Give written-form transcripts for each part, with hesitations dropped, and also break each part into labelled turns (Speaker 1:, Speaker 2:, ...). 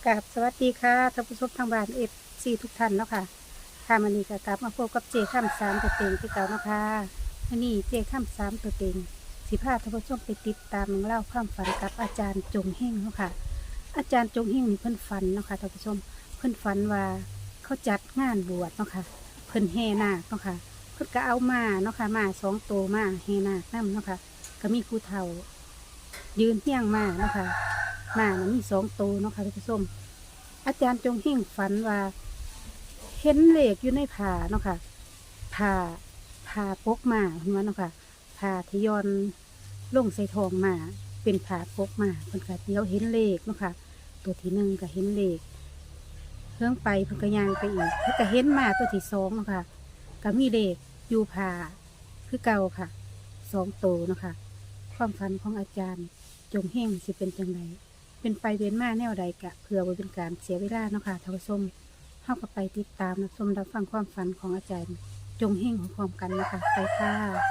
Speaker 1: กับสวัสดีค่ะท่านผู้ชมทางบ้านFCทุกท่านเนาะค่ะค่ะวันนี้ก็กลับมาพบกับเจข้ามสามตัวเต็งที่เก่าเนาะค่ะวันนี้เจข้ามสามตัวเต็งสิพาท่านผู้ชมไปติดตามเล่าความฝันกับอาจารย์จงเฮงเนาะค่ะอาจารย์จงเฮงนี่เพิ่นฝันเนาะค่ะท่านผู้ชมเพิ่นฝันว่าเขาจัดงานบวชเนาะค่ะเพิ่นแห่นาคเนาะค่ะเพิ่นก็เอามาเนาะค่ะมา2 ตัวมาแห่นาคนำเนาะค่ะก็มีผู้เฒ่า ยืนเที่ยงมาเนาะค่ะมามันมี2 ตัวเนาะค่ะท่านผู้ชมอาจารย์จงเฮงฝันว่าเห็นเลขอยู่ในผ้าเนาะค่ะผ้าปกมาเห็นไหมเนาะค่ะผ้าที่ย้อนลงใส่ทองมาเป็นผ้าปกมาเพิ่นก็เดี๋ยวเห็นเลขเนาะค่ะตัวที่1ก็เห็นเลขเพิ่งไปเพิ่นก็ย่างไปอีกเพิ่นก็เห็นมาตัวที่2เนาะค่ะก็มีเลขอยู่ผ้าคือเก่าค่ะ2 ตัวเนาะค่ะความฝันของอาจารย์จงเฮงสิเป็นจังไดเป็นไปเวียนมาแนวใดกะเพื่อไว้เป็นการเสียเวลาเนาะค่ะท่านผู้ชมเข้าก็ไปติดตามรับชมรับฟังความฝันของอาจารย์จงเฮงของพร้อมกันนะคะไปค่ะ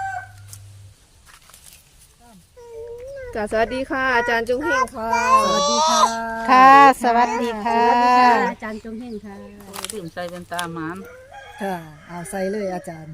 Speaker 2: ค่ะสวัสดีค่ะ อาจารย์จุงเฮงค่ะ
Speaker 1: สวัสดีค่ะ
Speaker 3: ค่ะ สวัสดีค่ะ
Speaker 1: สวัสดีค่ะอาจารย์จงเฮงค่ะ
Speaker 4: ดื่มใส่เป็นตาหมาน
Speaker 3: ค่ะเอาใส่เลยอาจารย์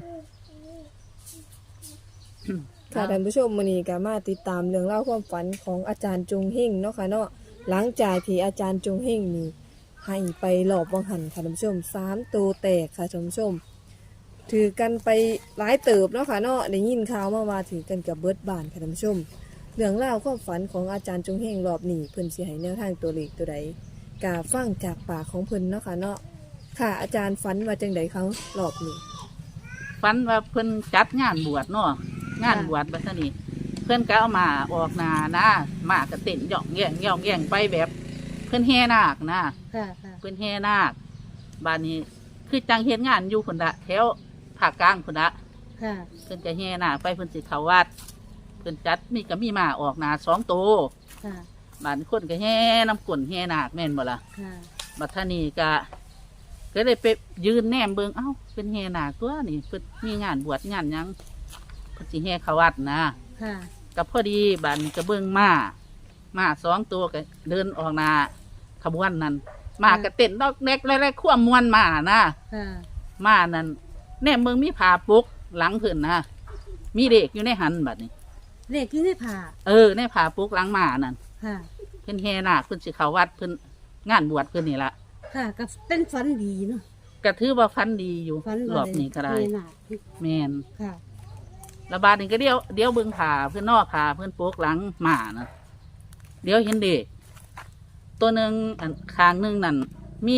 Speaker 2: ค่ะท่านผู้ชมมื้อนี้ก็มาติดตามเรื่องเล่าวความฝันของอาจารย์จุงเฮงเนาะค่ะเนาะหลังจากที่อาจารย์จุงเฮงนี่ให้ไปหลอบวังหันค่ะท่านผู้ชม3 ตัวแตกค่ะท่านผู้ชม ถือกันไปหลายเติบเนาะค่ะเนาะได้ยินข่าวมาว่าถือกันกับเบิดบ้านค่ะท่านผู้ชม เรื่องเล่าวความฝันของอาจารย์จุงเฮงรอบนี้เพิ่นสิให้แนวทางตัวเลขตัวใดกะฟังจากปากของเพิ่นเนาะค่ะเนาะค่ะอาจารย์ฝันว่าจังไดเขารอบนี้
Speaker 4: ฝันว่าเพิ่นจัดงานบวชเนาะงานบวชบัดนี้เพิ่นก็เอามาออกนานะมากระเต้นย่องแย่งย่องแย่งไปแบบ เพิ่นแห่นาคนะ
Speaker 1: ค่ะค่ะ
Speaker 4: เพิ่นแห่นาคบ้านนี้คือจังเฮ็ดงานอยู่คนละแถวภาคกลางคนละ
Speaker 1: ค่ะ
Speaker 4: เพิ่นจะแห่นาคไปเพิ่นสิเข้าวัดเพิ่นจัดมีก็มีมาออกนา2 ตัว
Speaker 1: ค่ะ
Speaker 4: บ้านคนก็แห่น้ำกลนแห่นาคแม่นบ่ล่ะ
Speaker 1: ค่ะ
Speaker 4: บัดท่านี้ก็เลยไปยืนแนมเบิงเอ้าเป็นแห่นาคตัวนี่เพิ่นมีงานบวชงานหยังเพิ่นสิแห่เข้าวัดนะ
Speaker 1: ค่ะ
Speaker 4: ก็พอดีบัดนก็เบิ่งมา2 ตัวก็เดินออกหน้าขบวนนั้นมาก็เต้นดอกเด็กไล่ๆควมมวนมานะ
Speaker 1: ค่ะ
Speaker 4: มานั้นแนมเบิงมีผ้าปุกหลังเพิ่นนะมีเด็กอยู่ในหันบัดนี้
Speaker 1: เลขที่ในผ้า
Speaker 4: ในผ้าปุกหลังมานั่น
Speaker 1: ค่ะ
Speaker 4: เพิ่นแห่นาคเพิ่นสิเข้าวัดเพิ่นงานบวชเพิ่นนี่ล่ะ
Speaker 1: ค่ะก็เป็นฝันดีเนาะ
Speaker 4: ก็ถือว่าฟันดีอยู่
Speaker 1: ฝัน
Speaker 4: รอบนี้ก็ได้
Speaker 1: นี่น่ะ
Speaker 4: แม่น
Speaker 1: ค่ะ
Speaker 4: ระบาดนี่ก็เดี๋ยวเบิ่งผ่าเพื่อนนอกผ่าเพื่อนโปกหลังหมานะเดี๋ยวเห็นเด็กตัวหนึ่งอันคางหนึ่งนั่นมี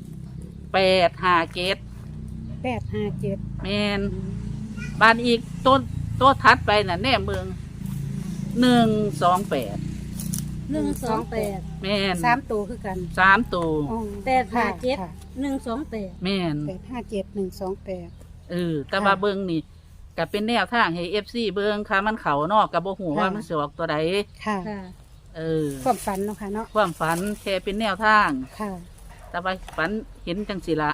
Speaker 4: 857
Speaker 1: 857
Speaker 4: แมนบานอีกตัวทัดไปน่ะแน่เมือง128
Speaker 1: 128
Speaker 4: แมน
Speaker 1: 3 ตัวคือกัน
Speaker 4: 3 ตัว
Speaker 1: 857 128
Speaker 4: แมน
Speaker 1: 857 128
Speaker 4: แต่ว่าเบิ่งนี่ก็เป็นแนวทางให้FC เบิ่งค่ะมันเขานอกกับบ่ฮู้ว่ามันสิออกตัวใด
Speaker 1: ค่ะ ความฝันเนาะค่ะเนาะ
Speaker 4: ความฝันแค่เป็นแนวทาง
Speaker 1: ค่ะ
Speaker 4: แต่ว่าฝันเห็นจังสิละ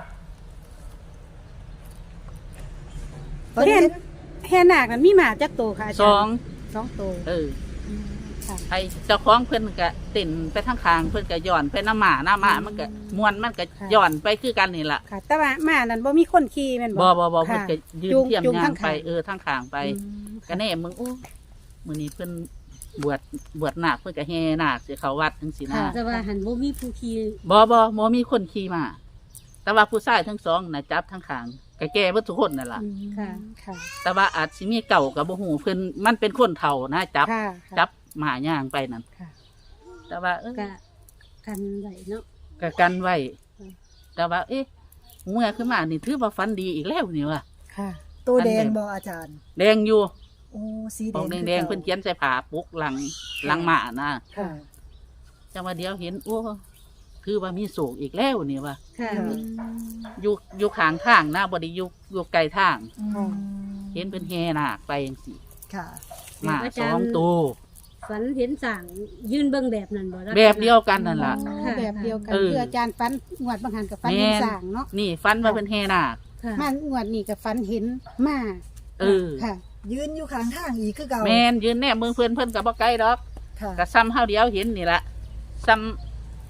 Speaker 1: แห่นาคนั้นมีหมาจักตัวค่ะอา
Speaker 4: ส
Speaker 1: จา
Speaker 4: อ
Speaker 1: รง ย์2 ตัว ค่ะ
Speaker 4: ไอเจ้าของเพิ่นก็ติ่นไปทางข้างเพิ่นก็ย้อนไปน้ำหมามันก็มวนมันก็ย้อนไปคือกันนี่ล่ะ
Speaker 1: ค่ะ แต่ว่าหมานั้นบ่มีคนขี่แม่น
Speaker 4: บ่
Speaker 1: บ่
Speaker 4: เพิ่นก็ยืน
Speaker 1: จูง
Speaker 4: เทียม
Speaker 1: จูง
Speaker 4: ยา
Speaker 1: ทาง ง
Speaker 4: ไป
Speaker 1: ข้าง
Speaker 4: ทางข้างไปก็แน่มึงโอ้มื้อนี้เพิ่นบวชนาคเพิ่นก็แห่นาคสิเข้าวัดจังซี่นะ
Speaker 1: ค่ะแต่ว่าหันบ่มีผู้ขี่
Speaker 4: บ่มีคนขี่มาแต่ว่าผู้ชายทั้งสองน่ะจับทางข้างก็แก่เบิดทุกคนนั่นล่ะ
Speaker 1: ค่ะ ค่ะ
Speaker 4: แต่ว่าอาจสิมีเก่าก็บ่ฮู้เพิ่นมันเป็นคนเฒ่านะจับ
Speaker 1: ค่ะ
Speaker 4: จับหมาย่างไปนั่น
Speaker 1: ค่ะ
Speaker 4: แต่ว่า
Speaker 1: ก็กันไว้เนาะ
Speaker 4: ก็กันไว้
Speaker 1: อืม
Speaker 4: แต่ว่าเมื่อขึ้นมานี่ถือว่าฟันดีอีกแล้วนี่ว่ะ
Speaker 1: ค่ะ
Speaker 3: ตัวแดง
Speaker 4: อันเดิม
Speaker 3: บออาจารย์
Speaker 4: แดงอยู่
Speaker 3: โอ้สี
Speaker 4: ของ
Speaker 3: แดง
Speaker 4: แดงๆเพิ่นเขียนใส่ผ้าปุกหลังหมานะ
Speaker 3: ค่ะ
Speaker 4: จังว่าเดี๋ยวเห็นโอ้คือว่ามีโศกอีกแล้วนี่ว่ะ
Speaker 1: ค่ะ
Speaker 4: อยู่ข้างทางนะบ่ได้อยู่ไกลทาง
Speaker 3: อืม
Speaker 4: เห็นเพิ่นแห่นาคไปจังซี่
Speaker 3: ค่ะ
Speaker 4: หมา
Speaker 1: อาจารย์
Speaker 4: 2 ตัว
Speaker 1: ฝันเห็นสั่งยืนเบิ่งแบบนั้นบ่ล่ะ
Speaker 4: แบบเดียวกันนั่นล่ะ
Speaker 1: ค่ะแบบเดียวกัน
Speaker 4: เออ
Speaker 1: คืออาจารย์ฝันงวดบางหันกับฝันเห็นสั่งเนาะ
Speaker 4: นี่ฟันว่าเพิ่นแห่นาค
Speaker 1: ค่ะมางวดนี้กับฝันเห็นหมา
Speaker 4: เออ
Speaker 1: ค่ะ
Speaker 3: ยืนอยู่ข้างทางอีกคือเก่า
Speaker 4: แม่นยืนแน่เมืองเพิ่นก็บ่ไกลดอก
Speaker 3: ค่ะ
Speaker 4: ก็ซ้ำเฮาเดียวเห็นนี่ล่ะซ้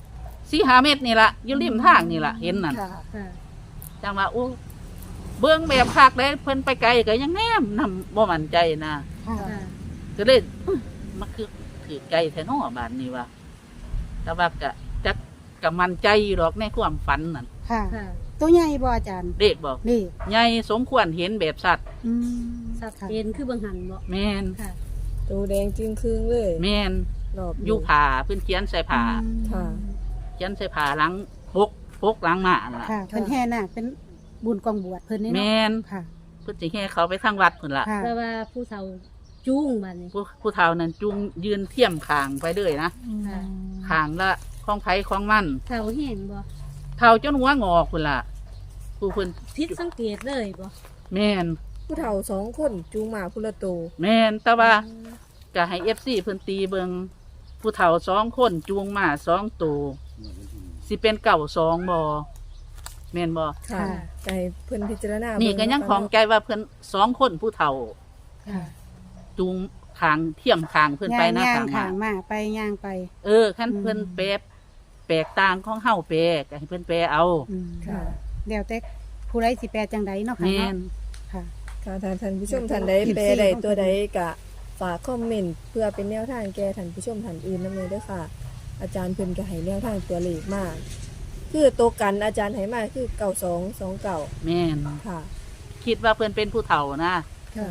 Speaker 4: 4-5 เมตรนี่ล่ะอยู่ริมทางนี่ล่ะเห็นนั่น
Speaker 3: ค่ะ
Speaker 1: ค่ะ
Speaker 4: จังว่าโอ้เบิ่งแบบคักเลยเพิ่นไปไกลก็ยังแนมนำบ่มั่นใจนะ
Speaker 3: ค่ะ
Speaker 4: ก็เลยมันคือถือไกลแท้น้อบาดนี้ว่าแต่ว่าก็มั่นใจอยู่ดอกในความฝันนั่น
Speaker 1: ค่ะ ตัวใหญ่บ่อาจารย์
Speaker 4: เด็กบอก
Speaker 1: นี่
Speaker 4: ใหญ่สมควรเห็นแบบสัตว์
Speaker 1: สัตว์
Speaker 5: เห็นคือเบิ่งหันบ่
Speaker 4: แม่น
Speaker 5: ค่ะ
Speaker 2: ตัวแดงจึงครึ่งเลย
Speaker 4: แม่น
Speaker 2: รอบนี้
Speaker 4: อยู่ผ่าเพิ่นเขียนใส่ผ่า
Speaker 2: ค่ะ
Speaker 4: เขียนใส่ผ่าหลังปกหลังมาล่ะ
Speaker 1: ค่ะเพิ่นแห่นาคเป็นบุญกองบวชเพิ่นนี่
Speaker 4: แม่
Speaker 1: เนาะ
Speaker 4: น
Speaker 1: ค่ะ
Speaker 4: เพิ่นสิแห่เขาไปทางวัดพุ่นล่ะ
Speaker 1: ค่ะ
Speaker 5: แต่ว่าผู้เฒ่าจูงบัดนี้
Speaker 4: ผู้เฒ่านั้นจุงยืนเทียมคางไปเลยนะ
Speaker 5: ค่ะ
Speaker 4: คางละของไผของมัน
Speaker 5: เฒ่าเห็นบ่
Speaker 4: เฒ่าจนหัวงอกพุ่นล่ะผู้เพิ่น
Speaker 5: ผิดสังเกตเลยบ่
Speaker 4: แม่น
Speaker 2: ผู้เฒ่า2คนจูงหมาพุละโตว
Speaker 4: แม่นแต่ว่าก็ให้ FC เพิ่นตีเบิงผู้เฒ่า2 คนจูงม้า2ตัวสิเป็นเก่า2บ่แม่นบ่
Speaker 2: ค่ะไก่เพิ่นพิจารณา
Speaker 4: นี่
Speaker 2: นี่
Speaker 4: ก็ยังของใจว่าเพิ่น2 คนผู้เฒ่า
Speaker 1: ค่ะ
Speaker 4: จูงขางเทียมขางเพิ่นไปนะ
Speaker 1: ย่าง
Speaker 4: ขาง
Speaker 1: ขาง
Speaker 4: มา
Speaker 1: มาไปย่างไป
Speaker 4: คันเพิ่นแปลกต่างของเฮาแปลก็ให้เพิ่นแปลเอา
Speaker 2: ค่ะ
Speaker 1: เดี๋ยวแต่ผู้ใดสิแปลจังใดเนาะค่ะ
Speaker 4: แม่น
Speaker 1: เนาะค่ะ
Speaker 2: ค่ะท่านผู้ชมท่านใดแปลใดตัวใดกะฝากคอมเมนต์เพื่อเป็นแนวทางแก่ท่านผู้ชมท่านอื่นนำเลยเด้อค่ะ อาจารย์เพิ่นก็ให้แนวทางตัวเลขมากคือตัวกันอาจารย์ให้มาคือ9229
Speaker 4: แม่น
Speaker 2: ค่ะ
Speaker 4: คิดว่าเพิ่นเป็นผู้เฒ่านะ
Speaker 2: ค่ะ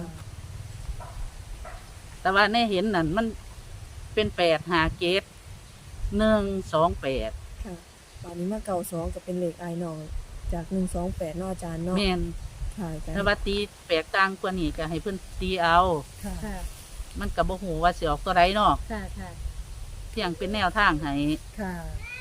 Speaker 4: แต่ว่าในเห็นนั่นมันเป็น8 5 7 1 2 8
Speaker 2: ค่ะตอนนี้มา92ก็เป็นเลขอายน้องจาก128เนาะอาจารย์เนาะ
Speaker 4: แม่น
Speaker 2: ค่ะอาจาร
Speaker 4: ถ้า
Speaker 2: ย์
Speaker 4: ว่าตีแปลกต่างกว่านี้ก็ให้เพิ่นตีเอา
Speaker 3: ค่ะ
Speaker 5: ค่ะ
Speaker 4: มันก็บ่ฮู้ว่าสิออกตัวใดเนาะ
Speaker 5: ค่ะค่ะ
Speaker 4: เพียงเป็นแนวทางให้
Speaker 3: ค่ะ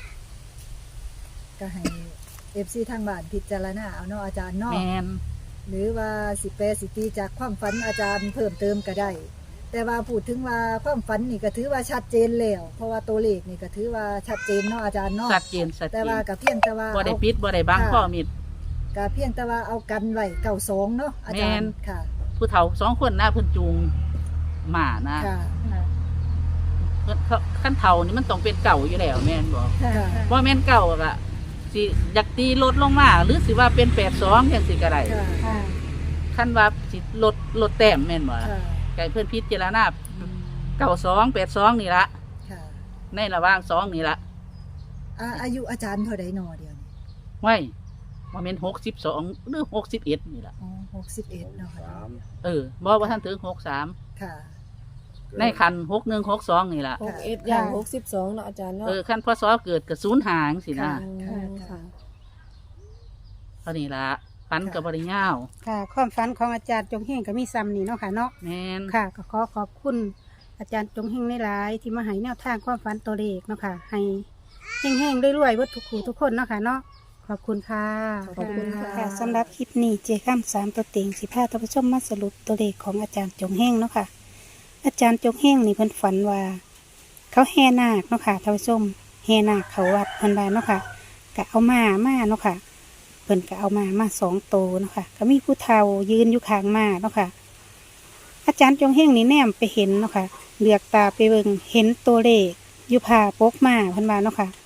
Speaker 3: ก็ให้ FC ทางบ้านพิจารณาเอาเนาะอาจารย์เนาะ
Speaker 4: แม่น
Speaker 3: หรือว่าสิแปรสิตีจากความฝันอาจารย์เพิ่มเติมก็ได้ แต่ว่าพูดถึงว่าความฝันนี่ก็ถือว่าชัดเจนแล้ว เพราะว่าตัวเลขนี่ก็ถือว่าชัดเจนเนาะอาจารย์เนาะ
Speaker 4: ชัดเจนชัดเจ
Speaker 3: แต่ว่าน ก็เพียงแต่ว่า
Speaker 4: บ่ได้ปิดบ่ได้บังข้อมิด
Speaker 3: ก็เพียงแต่ว่าเอากันไว้92เนาะอาจาร
Speaker 4: แม่น
Speaker 3: ย์ค่ะ
Speaker 4: ผู้เฒ่า2 คนนะเพิ่นจูงหมานะ
Speaker 3: ค่ะ
Speaker 5: ค่ะ
Speaker 4: เพิ่นคันเฒ่านี่มันต้องเป็นเก่าอยู่แล้วแม่นบ่
Speaker 3: ค่ะ
Speaker 4: บ่แม่นเก่าก็สิอยากตีลดลงมาหรือสิว่าเป็น82จังซี่ก็ได้
Speaker 3: ค่ะ
Speaker 1: ค่ะ
Speaker 4: คันว่าสิลดแต้มแม่นบ่
Speaker 3: ค่ะ
Speaker 4: ไก่เพิ่นพิจารณา92 82นี่ละ
Speaker 3: ค่ะ
Speaker 4: ในระหว่าง2นี่ละ
Speaker 3: อายุอาจารย์เท่าใดหนอเดียวนี้
Speaker 4: ไว้บ่แม่น62หรือ61นี่ล่ะ
Speaker 3: อ๋อ61เนาะค่ะ
Speaker 4: บ่ว่าท่านถึง63
Speaker 3: ค่ะ
Speaker 4: ในคัน61 62นี่ล่ะ
Speaker 2: 61อย่าง62เนาะอาจารย์เนาะ
Speaker 4: คันพศเกิดก็0หางสินะ
Speaker 3: ค่ะ
Speaker 2: ค่ะ
Speaker 4: เท่านี้ล่ะปันก็บ่ได้ยาว
Speaker 1: ค่ะ ความฝันของอาจารย์จงเฮงก็มีซ้ำนี่เนาะค่ะเนาะ
Speaker 4: แม่น
Speaker 1: ค่ะก็ขอขอบคุณอาจารย์จงเฮงหลายๆที่มาให้แนวทางความฝันตัวเลขเนาะค่ะ ให้เฮงๆรวยๆเบิดทุกคู่ทุกคนเนาะค่ะเนาะขอบคุณค่ะ
Speaker 2: ขอบคุณค่ะ
Speaker 1: สำหรับคลิปนี้เจข้าม3ตัวเต็ง15ท่านผู้ชมมาสรุปตัวเลขของอาจารย์จงเฮงเนาะค่ะ อาจารย์จงเฮงนี่เพิ่นฝันว่า เขาแห่นาคเนาะค่ะท่านผู้ชมแห่นาคเขาวัดเพิ่นว่าเนาะค่ะก็เอามาเนาะค่ะเพิ่นก็เอามา2ตัวเนาะค่ะก็มีผู้เฒ่ายืนอยู่ข้างม้าเนาะค่ะ อาจารย์จงเฮงนี่แนมไปเห็นเนาะค่ะเหลือกตาไปเบิ่งเห็นตัวเลขอยู่ผ่าปกม้าเพิ่นว่าเนาะค่ะ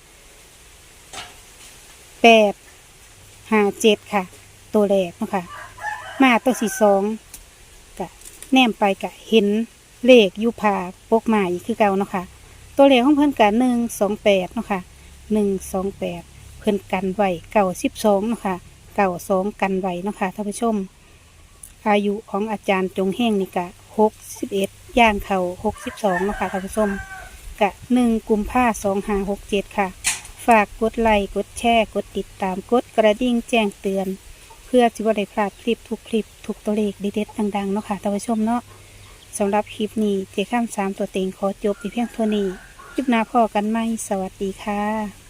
Speaker 1: 857ค่ะ ตัวแรกเนาะค่ะม้าตัวที่2ก็แนมไปก็เห็นเลขอยู่ผ่าปกม้าอีกคือเก่าเนาะค่ะ ตัวเลขของเพิ่นกะ128เนาะค่ะ128เพิ่นกันไว้92เนาะค่ะ92กันไว้เนาะค่ะท่านผู้ชม อายุของอาจารย์จงเฮงนี่กะ61ย่างเข้า62เนาะค่ะท่านผู้ชมกะ1กุมภาพันธ์2567ค่ะ ฝากกดไลค์กดแชร์กดติดตามกดกระดิ่งแจ้งเตือน เพื่อจะบ่ได้พลาดคลิปทุกตัวเลขเด็ดๆดังๆเนาะค่ะท่านผู้ชมเนาะสำหรับคลิปนี้เจข้าม3ตัวเต็งขอจบไปเพียงเท่านี้คลิปหน้าพอกันไหมสวัสดีค่ะ